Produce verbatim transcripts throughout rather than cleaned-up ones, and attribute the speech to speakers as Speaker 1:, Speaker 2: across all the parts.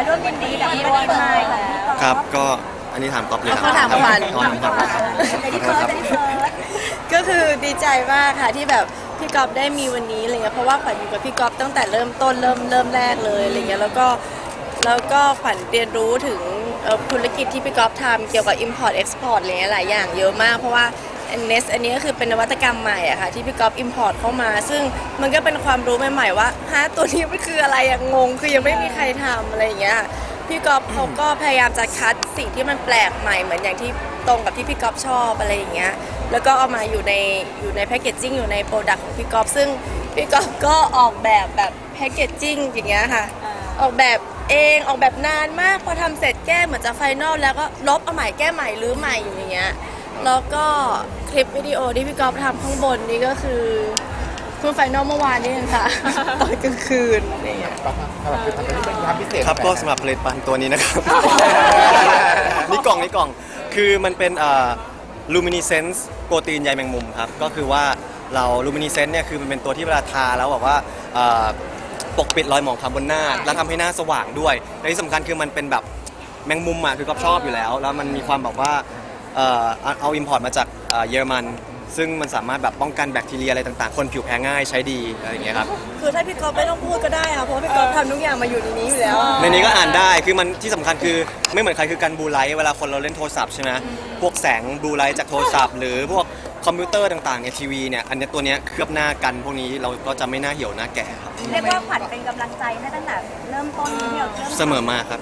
Speaker 1: ร่วมยินดีกับพี่บอยมา
Speaker 2: ครับก็อันนี้ถามก๊อฟเลยครับ
Speaker 3: เขาถามขวัญ
Speaker 2: ขวัญขวัญขอโทษครับ
Speaker 3: ก็คือดีใจมากค่ะที่แบบพี่ก๊อฟได้มีวันนี้อะไรเงี้ยเพราะว่าขวัญอยู่กับพี่ก๊อฟตั้งแต่เริ่มต้นเริ่มเริ่มแรกเลยอะไรเงี้ยแล้วก็แล้วก็ขวัญเรียนรู้ถึงเอ่อธุรกิจที่พี่ก๊อฟทำเกี่ยวกับ import export อะไรเงี้ยหลายอย่างเยอะมากเพราะว่า เนส อันนี้ก็คือเป็นนวัตกรรมใหม่อะค่ะที่พี่ก๊อฟ import เข้ามา ซึ่งมันก็เป็นความรู้ใหม่ๆว่าฮะตัวนี้มันคืออะไรอะงงคือยังไม่มีใครทำอะไรอย่างเงี้ยพี่ก๊อฟเขาก็พยายามจะคัดสิ่งที่มันแปลกใหม่เหมือนอย่างที่ตรงกับที่พี่ก๊อฟชอบอะไรอย่างเงี้ยแล้วก็เอามาอยู่ในอยู่ในแพคเกจจิ้งอยู่ในโปรดักต์ของพี่ก๊อฟซึ่งพี่ก๊อฟก็ออกแบบแบบแพคเกจจิ้งอย่างเงี้ยค่ะออกแบบเองออกแบบนานมากพอทำเสร็จแก้เหมือนจะไฟนอลแล้วก็ลบเอาใหม่แก้ใหม่รื้อใหม่อยู่อย่างเงี้ยแล้วก็คลิปวิดีโอที่พี่ก๊อฟทำข้างบนนี่ก็คือเพิ่งไฟนอลเมื่อวานนี้เองค่ะ ตอนกลางคืนอะไรอย่างเงี้ย
Speaker 4: สำหรับคือทำเป็นความพิเศษ
Speaker 2: ครับก็สำหรับผลิตภัณฑ์ตัวนี้นะครับ นี่กล่องนี่กล่องคือมันเป็นเอ่อ luminescence โปรตีนใยแมงมุมครับก็คือว่าเรา luminescence เนี่ยคือมันเป็นตัวที่เวลาทาแล้วแบบว่าเอ่อปกปิดรอยหมองคล้ำบนหน้าแล้วทำให้หน้าสว่างด้วยและที่สำคัญคือมันเป็นแบบแมงมุมอ่ะคือก็ชอบอยู่แล้ว แล้วมันมีความแบบว่าเอ่อเอาอิมพอร์ตมาจากเอ่อเยอรมันซึ่งมันสามารถแบบป้องกันแบคทีเรียอะไรต่างๆคนผิวแพ้ง่ายใช้ดีอะไรอย่างเงี้ยครับ
Speaker 3: คือถ้าพี่ก๊อฟไม่ต้องพูดก็ได้ค่ะเพราะว่าพี่ก๊อฟทำทุกอย่างมาอยู่ในนี้อยู่แล้ว
Speaker 2: ในนี้ก็อ่านได้ คือมันที่สำคัญคือไม่เหมือนใครคือการบลูไลท์เวลาคนเราเล่นโทรศัพท์ใช่ไหมพวกแสงบลูไลท์จากโทรศัพท์หรือพวกคอมพิวเตอร์ต่างๆในทีวีเนี่ยอันนี้ตัวเนี้ยเคลือบหน้ากันพวกนี้เราก็จะไม่หน้าเหี่ยวหน้าแก่ครับ
Speaker 1: เรียกว่าขวัญเป็นกำลังใจให้ตั้งแต่เริ่มต้นที่เราเริ่ม
Speaker 2: เสมอมาครับ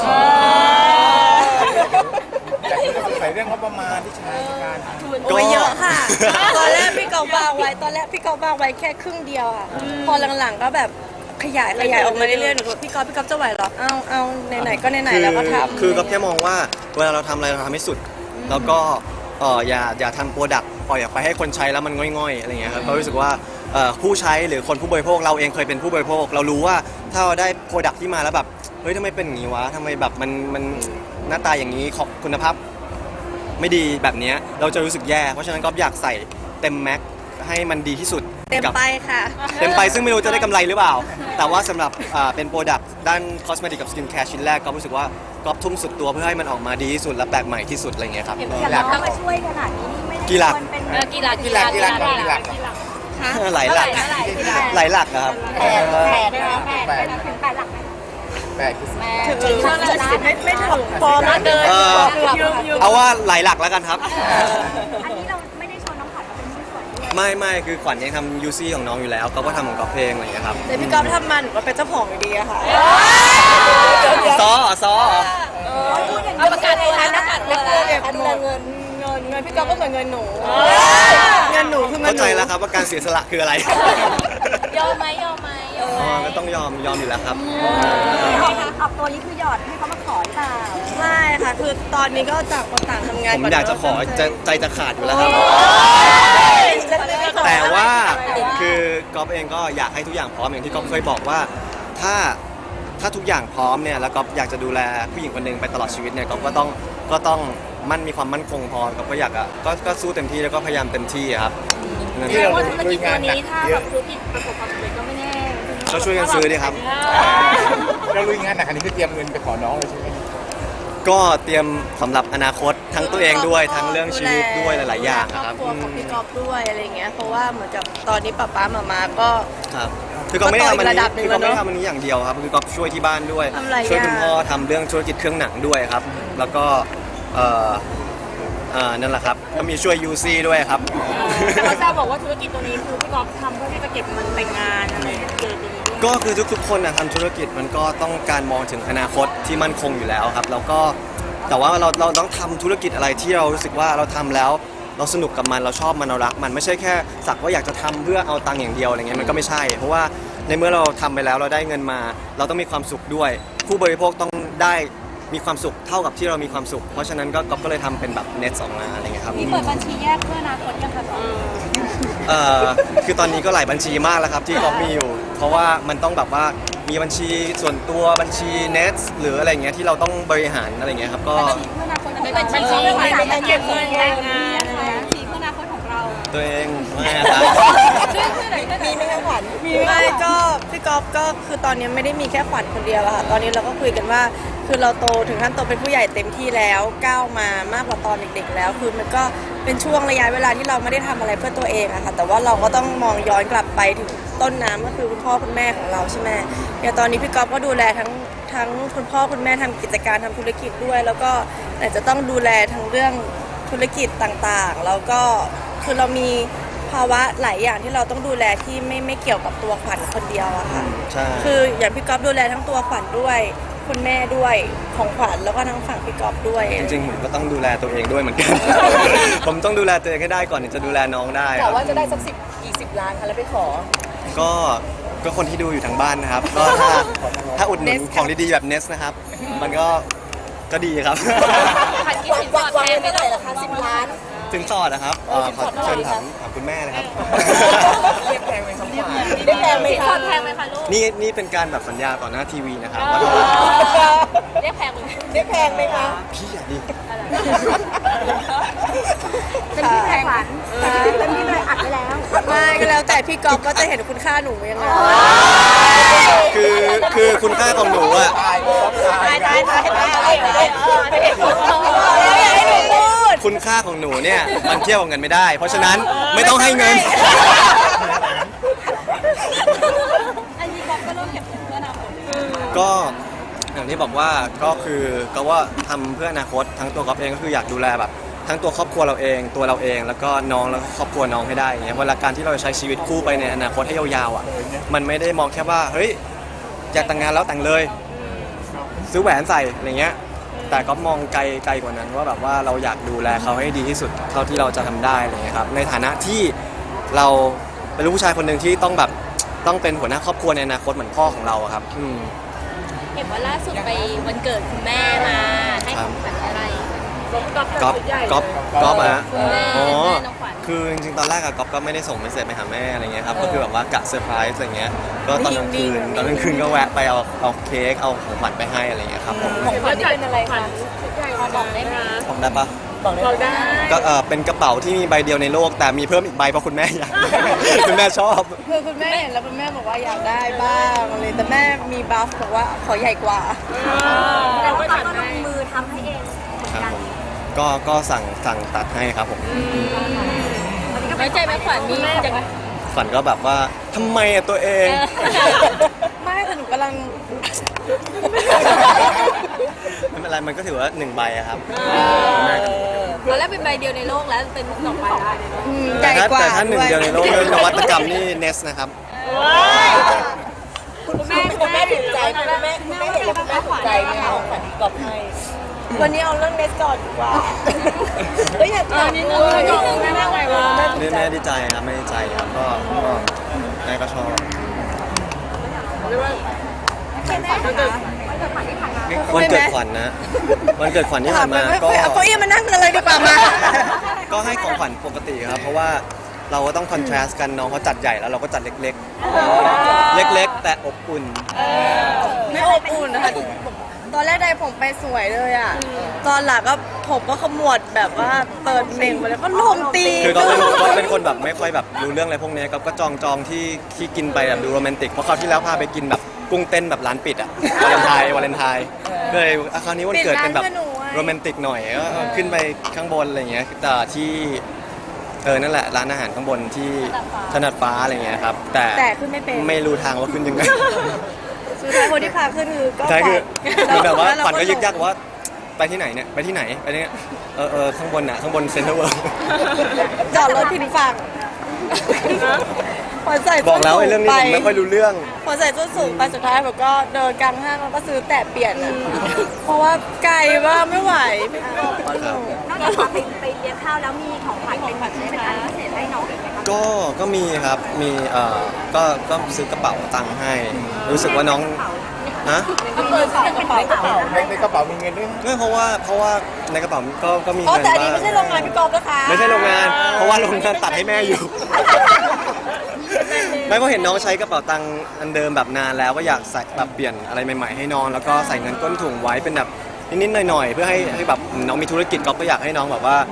Speaker 4: อยากจะสงสัยเรื่องงบประมาณที่ใช้ในการทำ
Speaker 3: โอ้ยเยอะค่ะ ตอนแรกพี่ก๊อฟวางไว้ตอนแรกพี่ก๊อฟวางไว้แค่ครึ่งเดียวอ่ะพอหลังๆก็แบบขยายขยายออกมาเรื่อยๆหนูบอกพี่ก๊อฟพี่ก๊อฟจะไหวเหรอเอาเอาไหนๆก็ไหนๆแล้วก็ทำ
Speaker 2: คือก็แค่มองว่าเวลาเราทำอะไรเราทำให้สุด แล้วก็เอออย่าอย่าทำโปรดักต์ปล่อยออกไปให้คนใช้แล้วมันง่อยๆอะไรเงี้ยครับก็รู้สึกว่าเอ่อผู้ใช้หรือคนผู้บริโภคเราเองเคยเป็นผู้บริโภค เรารู้ว่าถ้าเราได้โปรดักต์ที่มาแล้วแบบเฮ้ยทำไมเป็นอย่างนี้วะทำไมแบบมันมันหน้าตาอย่างนี้ของคุณภาพไม่ดีแบบเนี้ยเราจะรู้สึกแย่เพราะฉะนั้นก็อยากใส่เต็มแม็กให้มันดีที่สุด
Speaker 3: เต็ม
Speaker 2: กับ
Speaker 3: ไปค่ะ
Speaker 2: เต็มไปซึ่งไม่รู้จะได้กำไรหรือเปล่า แต่ว่าสำหรับอ่าเป็นโปรดักต์ด้านคอสเมติกกับสกินแคร์ชิ้นแรกก็รู้สึกว่าก็ทุ่มสุดตัวเพื่อให้มันออกมาดีที่สุดและแปลกใหม่ที่สุดอะไรเงี้ยครับ
Speaker 1: อย่างน้องมาช่วยขนาดนี้นี่ไม่ได้
Speaker 2: กี่หลัก
Speaker 1: ควรเป็น
Speaker 5: เออกี่หลัก
Speaker 4: กี่หลักกี่หลักกี่หลัก
Speaker 2: หลายหลักหลายหลักนะครับ
Speaker 1: แปดแปดแปดถึงแปดหลักไหม
Speaker 4: แปดคือ
Speaker 3: ถึงไม่ไม่ถึงพอมาเกิน
Speaker 2: เออ
Speaker 3: ยืมยืม
Speaker 2: เอาว่าหลายหลักแล้วกันครับ
Speaker 1: อันนี้เราไม่ได้ชวนน้องขวัญมาเป็นผู้นส่วนด้วย
Speaker 2: ไม่ไม่คือขวัญยังทำยูซี่ของน้องอยู่แล้วเขาก็ทำของก๊อฟเพลงอะไรอย่างเงี้ยครับ
Speaker 3: แต่พี่ก๊อฟทำมาหนูก็เป็นเจ้าของอยู่ดีอะค่ะ
Speaker 2: ซอซอ
Speaker 1: พูดอย่าง
Speaker 5: เอา
Speaker 1: นี้
Speaker 5: ประกาศตัวแล้วประกาศตัว
Speaker 3: แล้ว
Speaker 5: แล้ว
Speaker 3: เก็บหมดเงินเงินเงินพี่ก๊อฟก็เหมือนเงินหนูเงินหนูคือเงิน
Speaker 2: เข้า
Speaker 3: ห
Speaker 2: ใจ
Speaker 3: นู
Speaker 2: แล้วครับว่าการเสียสละคืออะไร
Speaker 5: ยอมไหมยอมไหมยอมไหม
Speaker 2: อ๋อก็ต้องยอมยอมอยู่แล้วครับ
Speaker 1: ออกตัวนี้คือหยอดให้เขามาขอหรือเปล่า
Speaker 3: ไม่ค่ะ คือตอนนี้ก็ต่างคนต่างทำงาน
Speaker 2: ผมอยากจะขอจะใจจะขาดอยู่แล้วครับ
Speaker 3: จะจะขอ
Speaker 2: แต่ว่าคือก๊อฟเองก็อยากให้ทุกอย่างพร้อมอย่างที่ก๊อฟเคยบอกว่าถ้าถ้าทุกอย่างพร้อมเนี่ยแล้วก๊อฟอยากจะดูแลผู้หญิงคนหนึ่งไปตลอดชีวิตเนี่ยก๊อฟก็ต้องก็ต้องมั่นมีความมั่นคงพอก๊อฟก็อยากอ่ะก็ก็สู้เต็มที่แล้วก็พยายามเต็มที่อะครับนั่น
Speaker 4: ที่
Speaker 2: แหละ
Speaker 4: เรา
Speaker 5: ว่าธุร
Speaker 4: ลุ
Speaker 5: กิ
Speaker 4: ย
Speaker 5: จ
Speaker 4: งา
Speaker 5: ตัวน
Speaker 4: หนัก
Speaker 5: นี้ถ้า
Speaker 4: เย
Speaker 5: แบ
Speaker 4: อะ
Speaker 5: บธุรกิจประสบความสำเร็จก็ไม่แน่
Speaker 2: ก็ช่วยกันซื้อดีครับ
Speaker 4: เราลุยงานหนักอันนี้คือเตรียมเงินไปขอน้องเลยใช่ไหม
Speaker 2: ก็เตรียมสำหรับอนาคตทั้งตัวเองด้วยทั้งเรื่องชีวิตด้วยหลายๆอย่างนะครับ
Speaker 3: ครอบครัวของพี่ก๊อฟด้วยอะไรเงี้ยเพราะว่าเหมือนกับตอนนี้ป๊าป๊ามามาก็
Speaker 2: ครับคือก็ไม่ได้ทำอัน
Speaker 3: ก็โตอีกระดั
Speaker 2: นี้
Speaker 3: บหนึ่ง
Speaker 2: คือก็ไม่ได้
Speaker 3: แล้วเนอะ
Speaker 2: ทำอันนี้อย่างเดียวครับคือก็ช่วยที่บ้านด้วย
Speaker 3: ทำหลาย
Speaker 2: ช่วยคุณ
Speaker 3: อย่าง
Speaker 2: พ่อทำเรื่องธุรกิจเครื่องหนังด้วยครับ แล้วก็เอ่อเอ่อนั่นแหละครับก็มีช่วยยูซี่ด้วยครับ
Speaker 5: แต่เขาจะบอกว่าธุรกิจตัวนี้คือพี่กอล์ฟทำเพื่อที่จะเก็บเงินแต่งงานอะไรเกี่ยวกับตัวนี้ด้วย
Speaker 2: ก็คือทุกๆคนนะทำธุรกิจมันก็ต้องการมองถึงอนาคตที่มั่นคงอยู่แล้วครับแล้วก็แต่ว่าเราเราต้องทำธุรกิจอะไรที่เรารู้สึกว่าเราทำแล้วเราสนุกกับมันเราชอบมันเรารักมันไม่ใช่แค่สักว่าอยากจะทำเพื่อเอาตังค์อย่างเดียวอะไรเงี้ยมันก็ไม่ใช่ เพราะว่าในเมื่อเราทำไปแล้วเราได้เงินมา เราต้องมีความสุขด้วย ผู้บริโภคต้องได้มีความสุขเท่ากับที่เรามีความสุข เพราะฉะนั้นก็ก๊อฟก็เลยทำเป็นแบบเน็ตสองมาอะไรเงี้ยครับ
Speaker 1: มีเปิดบัญชีแยกเพื่ออนาคตยังคะสอง
Speaker 2: เอ่อคือตอนนี้ก็หลายบัญชีมากแล้วครับที่ก๊อฟมีอยู่ เพราะว่ามันต้องแบบว่ามีบัญชีส่วนตัวบัญชีเน็ตหรืออะไรเงี้ยที่เราต้องบริหารอะไรเงี้ยครับก็
Speaker 1: เพื่ออนาคตของ
Speaker 5: ไม่
Speaker 1: เรา
Speaker 5: บัญชีไม่บัญชีเก็บเงินแต่งงาน
Speaker 1: บัญชีเพื่ออนาคตของเรา
Speaker 2: ตัวเองไม่ครับ
Speaker 3: มีไหมคะขวัญมีไม่ก็พี่ก๊อฟก็คือตอนนี้ไม่ได้มีแค่ขวัญคนเดียวอะค่ะตอนนี้เราก็คุยกันว่าคือเราโตถึงขั้นโตเป็นผู้ใหญ่เต็มที่แล้วก้าวมามากกว่าตอนเด็กๆแล้ว คือมันก็เป็นช่วงระยะเวลาที่เราไม่ได้ทำอะไรเพื่อตัวเองอะค่ะแต่ว่าเราก็ต้องมองย้อนกลับไปถึงต้นน้ำก็คือคุณพ่อคุณแม่ของเราใช่ไหมอย่างตอนนี้พี่ก๊อฟก็ดูแลทั้งทั้งคุณพ่อคุณแม่ทำกิจการทำธุรกิจด้วย แล้วก็อาจจะต้องดูแลทั้งเรื่องธุรกิจต่างๆแล้วก็คือเรามีภาวะหลายอย่างที่เราต้องดูแลที่ไม่ไม่เกี่ยวกับตัวขวัญคนเดียวอะค่ะ
Speaker 2: ใช่
Speaker 3: คืออย่างพี่ก๊อฟดูแลทั้งตัวขวัญด้วยคุณแม่ด้วยของขวัญแล้วก็ทั้งฝั่งพี่ก๊อฟด้วย
Speaker 2: จริงๆผมก็ต้องดูแลตัวเองด้วยเหมือนกัน ผมต้องดูแลตัวเองให้ได้ก่อนถึงจะดูแลน้องได้ค
Speaker 1: แต่
Speaker 2: รับ
Speaker 1: ว่าจะได้สักสิบกี่สิบล้านคะแล้วไปขอ
Speaker 2: ก็ก็คนที่ดูอยู่ทางบ้านนะครับ ก็ถ้าถ้าอุดหนุนของดีๆแบบเนสนะครับ มันก็ก็ดีครับ
Speaker 1: พันกี่สิบวางไว้เท่าไหร่ล่ะคะสิบล้าน
Speaker 2: ถึงสอดนะครับเอ่อขอเชิญถามถามคุณแม่นะครับ
Speaker 4: เรียกแพงไหมครับขวัญ
Speaker 1: ได้แพงไหม
Speaker 5: สินส
Speaker 1: คะ
Speaker 5: อดแพงไหมคะลูก
Speaker 2: นี่นี่เป็นการแบบสัญญาต่อหน้าทีวีนะครับว่า
Speaker 5: เรียกแพงไหม
Speaker 1: ได้แพงไหมคะ
Speaker 2: พี่อย่าดิ
Speaker 1: เป็นที่แพงขวัญเป็นที่เลยอัดไปแล้ว
Speaker 3: ไม่ก็แล้วแต่พี่ก๊อฟก็จะเห็นคุณค่าหนูยังไง
Speaker 2: คือคือคุณค่าของหนูอะ
Speaker 4: ตายตาย
Speaker 1: ตายตายตายตายตาย
Speaker 2: คุณค่าของหนูเนี่ยมันเทียบกับเงินไม่ได้ เพราะฉะนั้นไม่ต้องให้เงิน
Speaker 5: อันนี้ก๊อฟก็เริ่มเก็บเงินเพื่ออนาคต
Speaker 2: ก็อย่างที่บอกว่าก็คือก็ว่าทำเพื่ออนาคตทั้งตัวก๊อฟเองก็คืออยากดูแลแบบทั้งตัวครอบครัวเราเองตัวเราเองแล้วก็น้องแล้วก็ครอบครัวน้องให้ได้อย่างเงี้ยเวลาการที่เราจะใช้ชีวิตคู่ไปในอนาคตให้ยาวๆอ่ะมันไม่ได้มองแค่ว่าเฮ้ยอยากแต่งงานแล้วแต่งเลยซื้อแหวนใส่อะไรเงี้ยแต่ก็มองไกลไกลกว่านั้นว่าแบบว่าเราอยากดูแลเขาให้ดีที่สุดเท่าที่เราจะทำได้อะไรเงี้ยครับในฐานะที่เราเป็นลูกผู้ชายคนหนึ่งที่ต้องแบบต้องเป็นหัวหน้าครอบครัวในอนาคตเหมือนพ่อของเราอะครับอืม
Speaker 5: เห็นว่าล่าสุดไปวันเกิดคุณแม่มาให้ของขวัญอะไร
Speaker 2: ก๊อฟก๊อฟก๊อฟอะฮะ
Speaker 5: คุณแม่
Speaker 2: อ๋อ
Speaker 5: แม่น้องขวัญ
Speaker 2: คือจริงๆ ตอนแรกอะก๊อฟก็ไม่ได้ส่งเมสเซจไปหาแม่อะไรเงี้ยครับ ก็คือแบบว่ากะเซอร์ไพรส์อะไรเงี้ย ก็ตอนกลางคืน ตอนกลางคืนก็แวะไปเอาเอาเค้ก เอาของขวัญไปให้อะไรเงี้ยครับผม
Speaker 1: ของขวัญนี่เป็นอะไรคะ
Speaker 5: บอกได้ไหม
Speaker 2: ผมได้ปะ
Speaker 1: บอกได้
Speaker 2: ก็เออเป็นกระเป๋าที่มีใบเดียวในโลก แต่มีเพิ่มอีกใบเพราะคุณแม่อยาก คุณแม่ชอบ
Speaker 3: คือคุณแม่เห็นแล้วคุณแม่บอกว่าอยากได้บ้างอะไรแต่แม่มีบัฟบอกว่าขอใหญ่กว่า
Speaker 1: แต่ว่าตอนก็ลงมือทำให้เองเหมือน
Speaker 2: ครับ
Speaker 1: กัน
Speaker 2: ผม ก็ก็สั่งสั่งตัดให้ครับผม
Speaker 5: ไว้ใจไหมขวัญมีจะ
Speaker 2: ฝันก็แบบว่าทำไมอะตัวเอง
Speaker 3: ไม่แต่หนูกำลัง
Speaker 2: ไม่เป็นไร มันก็ถือว่าหนึ่งใบอะครับ
Speaker 5: ตอนแรกเป็นใบเดียวในโลกแล้วเป็นสองใบแล้ว
Speaker 3: อืมให
Speaker 2: แต่
Speaker 3: ญ่
Speaker 2: ถ้าก
Speaker 3: ว่า
Speaker 2: แต่ถ้าหนึ่ง
Speaker 3: ด้วย
Speaker 2: เดียวในโลกเลยนวัตกรรมนี่เนสนะครับ
Speaker 1: คุณแม่คุณแม่ถูกใจคุณแม่คุณแม่เห็นแล้วคุณแม่ถูกใจไหมคะของขวัญที่กอบให้
Speaker 3: วันนี้เอาเรื่องเนสก่อนดีกว่าเฮ้ยอยาก
Speaker 5: ตอนนี้เลยนิดนึงแม่ว่าไงวะ
Speaker 2: แม่แม่ดีใจครับแม่ดีใจครับก็ก็แม่ก็ชอบ วันเกิดขวัญนะ วันเกิดขวัญที่ผ่านมาก็
Speaker 3: เอาเก้าอี้มานั่งเลยดีกว่ามา
Speaker 2: ก็ให้ของขวัญปกติครับ เพราะว่าเราก็ต้องคอนทราสต์กันน้องเขาจัดใหญ่แล้วเราก็จัดเล็กๆ เล็กๆ แต่อบอุ่น
Speaker 3: ไม่อบอุ่นนะคะตอนแรกได้ผมไปสวยเลยอ่ะ ตอนหลังก็ผมก็ขมวดแบบว่าเปิดเมงไปแล้วก็ลมตี
Speaker 2: คือก็เป็นก็เป็นคนแบบไม่ค่อยแบบรู้เรื่องอะไรพวกนี้ก็ก็จองจองที่ที่กินไปแบบดูโรแมนติกเพราะคราวที่แล้วพาไปกินแบบกุ้งเต้นแบบร้านปิดอะวาเลนไทน์วาเลนไทน์ก็เลยอ่ะคราวนี้วันเกิดเป็นแบบโรแมนติกหน่อยก็ขึ้นไปข้างบนอะไรเงี้ยแต่ที่เออนั่นแหละร้านอาหารข้างบนที่ถนัดฟ้าอะไรเงี้ยครับแต่
Speaker 3: แต่ขึ้นไม่เป็น
Speaker 2: ไม่รู้ทางว่าขึ้นยังไง
Speaker 3: สุดท้ายคนที่พาขึ้นคือก็
Speaker 2: ใช่คือ
Speaker 3: ฝั
Speaker 2: คือแบบว่า
Speaker 3: ล้เร
Speaker 2: ฝันก็ยึกยักว่าไปที่ไหนเนี่ยไปที่ไหนไปเนี่ยเออเออข้างบนน่ะข้างบนเซ็นทรัลเวิลด์
Speaker 3: จอดรถผิดฝั่งพอใส่
Speaker 2: บอกแล้วไอ้เรื่องนี้ผมไม่ค่อยรู้เรื่อง
Speaker 3: พอใส่ส้นสูงไปสุดท้ายผมก็เดินกลางห้างแล้วก็ซื้อแต่เปลี่ยนอะเพราะว่าไกลว่ากไม่ไหวไม่เอาก็ลง
Speaker 1: นอกจากของไปไปเลี้ยงข้าวแล้วมีของขวัญเป็นเป็นอะไรพิเศษให้น้องอีกไหมคะ
Speaker 2: ก็ก็มีครับมีเอ่อก็ก็ซื้อกระเป๋าตังค์ให้ รู้สึกว่าน้องฮะ
Speaker 1: ก็เปิดเป็นกระเป๋ากระเป๋า
Speaker 4: ในในกระเป๋ามีเงินด้วย
Speaker 2: ไม่เพราะว่าเพราะว่าในกระเป๋าก็ก็มี
Speaker 3: อ๋อ
Speaker 2: เงิน
Speaker 3: แต่อันนี้
Speaker 2: บ้าง
Speaker 3: ไม่ใช่โรงงานพี่กอล์ฟนะคะ
Speaker 2: ไม่ใช่โรงงาน เพราะว่าโรงงานตัดให้แม่อยู่ ไม่เพราะเห็นน้องใช้กระเป๋าตังค์อันเดิมแบบนานแล้วก็อยากใส่แบบเปลี่ยนอะไรใหม่ๆให้น้องแล้วก็ใส่เงินก้นถุงไว้เป็นแบบนิดๆหน่อยๆเพื่อให้ให้แบบน้องมีธุรกิจก็ก็อยากให้น้องแบบว่า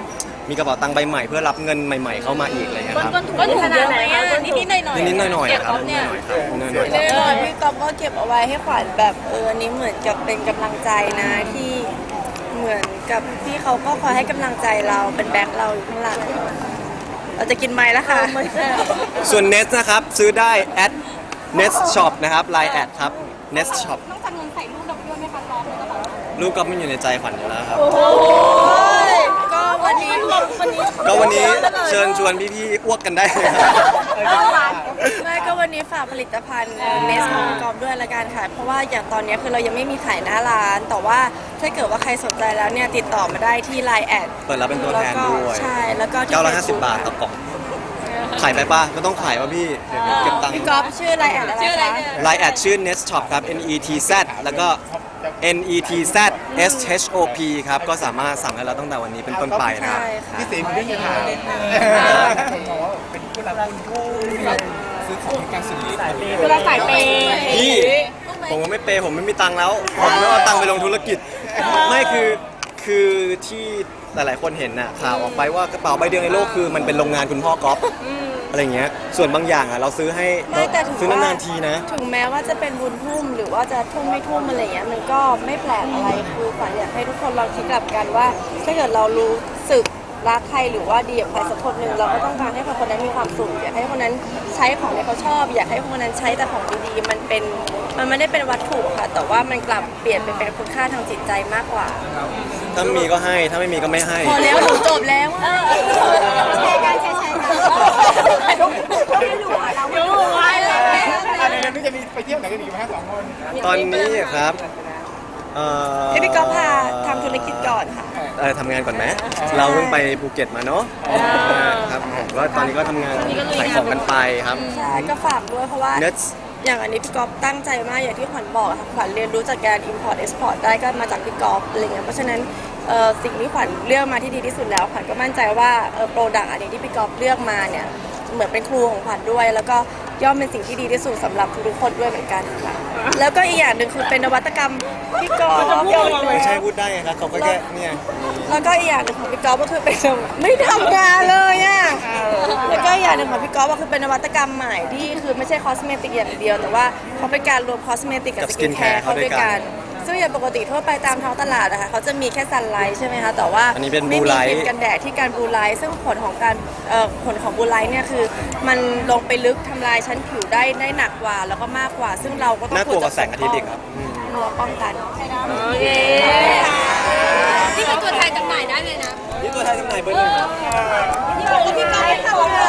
Speaker 2: มีกระเป๋าตังค์ใบใหม่เพื่อรับเงินใหม่ ๆเข้ามาอีกอะไรเงี้ยครับ
Speaker 5: ก็ถูกขนาดไหนอะนิดๆหน่อยๆ
Speaker 2: นิดๆหน่อยๆครับนิดๆหน่อยๆครับนิดๆหน่อยๆครับ
Speaker 3: แน่นอนพี่ก๊อฟก็เก็บเอาไว้ให้ขวัญแบบเอออันนี้เหมือนกับเป็นกำลังใจนะที่เหมือนกับพี่เขาก็คอยให้กำลังใจเราเป็นแบ็คเราอยู่ข้างหลังเราจะกินไม้แล้วค่ะ
Speaker 2: ส่วน Nest นะครับซื้อได้ at Nest Shop นะครับ Line แอดครับ Nest Shop
Speaker 5: นอกจากเงินใส่ลูกดอกด้วยไหมคะก๊อฟในกระเป๋า
Speaker 2: รูปก็ไม่อยู่ในใจขวัญอยู่แล้วครับ
Speaker 3: โอ้ยก็วันนี้วันนี้
Speaker 2: ก็วันนี้เชิญชวนพี่ๆอ้วกกันได้เลยครับ
Speaker 3: ไม่ก็วันนี้ฝากผลิตภัณฑ์เนสของพี่ก๊อฟด้วยละกันค่ะเพราะว่าอย่างตอนนี้คือเรายังไม่มีขายหน้าร้าน แต่ว่าถ้าเกิดว่าใครสนใจแล้วเนี่ยติดต่อมาได้ที่ ไลน์ แอด
Speaker 2: เปิดรับเป็นตัวแทนด้วย
Speaker 3: ใช่แล้วก็ที่
Speaker 2: เก้าร้อยห้าสิบ
Speaker 3: Facebook
Speaker 2: บาทต่อกล่อง ขายไปป่ะก็ต้องขายป่ะพี่ เดี๋ยวเก็บตังค์
Speaker 3: พี่ก๊อฟชื่อ ไลน์ แอดอะไรคะ
Speaker 2: ไลน์แอดชื่อ Nest Shop ครับ N E T Z แล้วก็ N E T Z S H O P ครับ ก็สามารถสั่งได้แล้วตั้งแต่วันนี้เป็นต้นไปนะครับ
Speaker 3: ใช่ค่ะ
Speaker 4: พี่สีมันไม่มีถามคนมองว่าเป็นผู้รับคุณคู่ซื้อของในการสื่อสาร
Speaker 5: คือเราสายเปย์
Speaker 2: พี่ผมก็ไม่เปย์ผมไม่มีตังค์แล้ว ผมไม่เอาตังค์ไปลงธุรกิจ ไม่คือคือที่หลายๆคนเห็นน่ะข่าวออกไปว่ากระเป๋าใบเดียวในโลกคือมันเป็นโรงงานคุณพ่อก๊อฟอะไรอย่างเงี้ยส่วนบางอย่างอ่ะเราซื้อให้
Speaker 3: ไม่แต่ถือ
Speaker 2: ซื้อ
Speaker 3: ว่าน
Speaker 2: านๆทีนะ
Speaker 3: ถึงแม้ว่าจะเป็นบุญทุ่มหรือว่าจะทุ่มไม่ทุ่มอะไรอย่างเงี้ยมันก็ไม่แปลกอะไรคือขวัญอยากให้ทุกคนลองคิดกลับกันว่า ถ้าเกิดเรารู้สึกรักใครหรือว่าดีกับใครสักคนหนึ่งเราก็ต้องการให้คนนั้นมีความสุขอยากให้คนนั้นใช้ของที่เขาชอบ อยากให้คนนั้นใช้แต่ของดีๆมันเป็นมันไม่ได้เป็นวัตถุค่ะ แต่ว่ามันกลับเปลี่ยนไปเป็นคุณค่าทางจิตใจมากกว่า
Speaker 2: ถ้ามีก็ให้ถ้าไม่มีก็ไม่ให้
Speaker 3: พอแล้วหนูจบแล้วอะ
Speaker 5: แชร์กันแชร์กันไม่รู้อะเราไม่รู้ว่าอะไร
Speaker 4: อะไรแล้วนี่จะมีไปเที่ยวไหนกันอีกไหมฮะสองคน
Speaker 2: ตอนนี้ครับเอ่อ
Speaker 3: ให้พี่ก๊อฟพาทำธุรกิจก่อนค่ะ
Speaker 2: เออทำงานก่อนไหมเราเพิ่งไปภูเก็ตมาเนาะครับผมก็ตอนนี้ก็ทำงานขายของกันไปครับ
Speaker 3: ใช่ก็ฝากด้วยเพราะว่า
Speaker 2: Nets
Speaker 3: อย่างอันนี้พี่ก๊อฟตั้งใจมากอย่างที่ขวัญบอกค่ะขวัญเรียนรู้จากการ import export ได้ก็มาจากพี่ก๊อฟอะไรเงี้ยเพราะฉะนั้นเอ่อสิ่งที่ขวัญเลือกมาที่ดีที่สุดแล้วขวัญก็มั่นใจว่าเอ่อโปรดักต์อันนี้ที่พี่ก๊อฟเลือกมาเนี่ยเหมือนเป็นครูของขวัญด้วย แล้วก็ย่อมเป็นสิ่งที่ดีที่สุดสำหรับทุกๆคนด้วยเหมือนกันค่ะแล้วก็อีกอย่างหนึ่งคือเป็นนวัตกรรมพี่ก๊อฟ
Speaker 2: ไม่ใช่พูดได้ไงครับเขาก็แค่เนี่ย
Speaker 3: แล้วก็อีกอย่างหนึ่งของพี่ก๊อฟก็คือเป็นไม่ทำงานเลยอ่ะแล้วก็อีกอย่างหนึ่งของพี่ก๊อฟก็คือเป็นนวัตกรรมใหม่ที่คือไม่ใช่คอสเมติกอย่างเดียว แต่ว่าเขาเป็นการรวมคอสเมติกกับสกินแคร์เข้าด้วยกันซึ่งอย่างปกติทั่วไปตามท้องตลาดนะคะเขาจะมีแค่ซันไลท์ใช่ไหมคะแต่ว่า
Speaker 2: อันนี้เป็น
Speaker 3: ไม่
Speaker 2: blue
Speaker 3: มี
Speaker 2: light
Speaker 3: ครีมกันแดดที่การบลูไลท์ซึ่งผลของการเอ่อผลของบลูไลท์เนี่ยคือมันลงไปลึกทำลายชั้นผิวได้ได้หนักกว่าแล้วก็มากกว่า ซึ่งเราก็ต้อง
Speaker 2: น่ากลัวกว่าแสงอาทิตย์อีกครับอืม
Speaker 3: เราป้องกัน
Speaker 5: โอเคนี่เป็นตัวแทนจำหน่ายได้เลยนะ
Speaker 2: นี่ตัวแทนจำหน่ายเบอร์หนึ่งครับ
Speaker 3: นี่บอกว่าพี่ก๊อฟไม่ทำเลย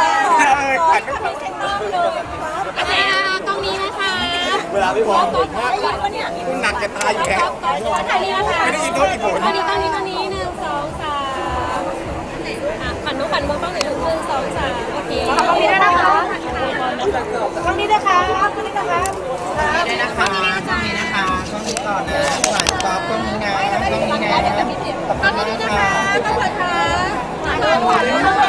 Speaker 5: อะไรอ่ะตรงนี้นะคะ
Speaker 2: เวลาไม่พอ
Speaker 4: คุณหนักจะตายอยู่แล้ว
Speaker 5: ถ่ายนี้นะคะ
Speaker 4: ไม่ได้ยินโทษอีกผล
Speaker 5: ตอนนี้ตอนนี้ตอนนี้หนึ่งสองสามขันนุขันมือต้องไหนหนึ่งหนึ่งสองสามโอเคตรงนี้ด้วยนะคะตรงนี้ด้วยค่ะตรงนี้ด้วยค่ะ
Speaker 4: นี่นะคะตรงนี้นะคะตรงนี้ต่อนะผ่านตอบตรงนี้นะตรงนี้นะขอบคุณมากค่ะ
Speaker 5: ขอบคุณค่ะ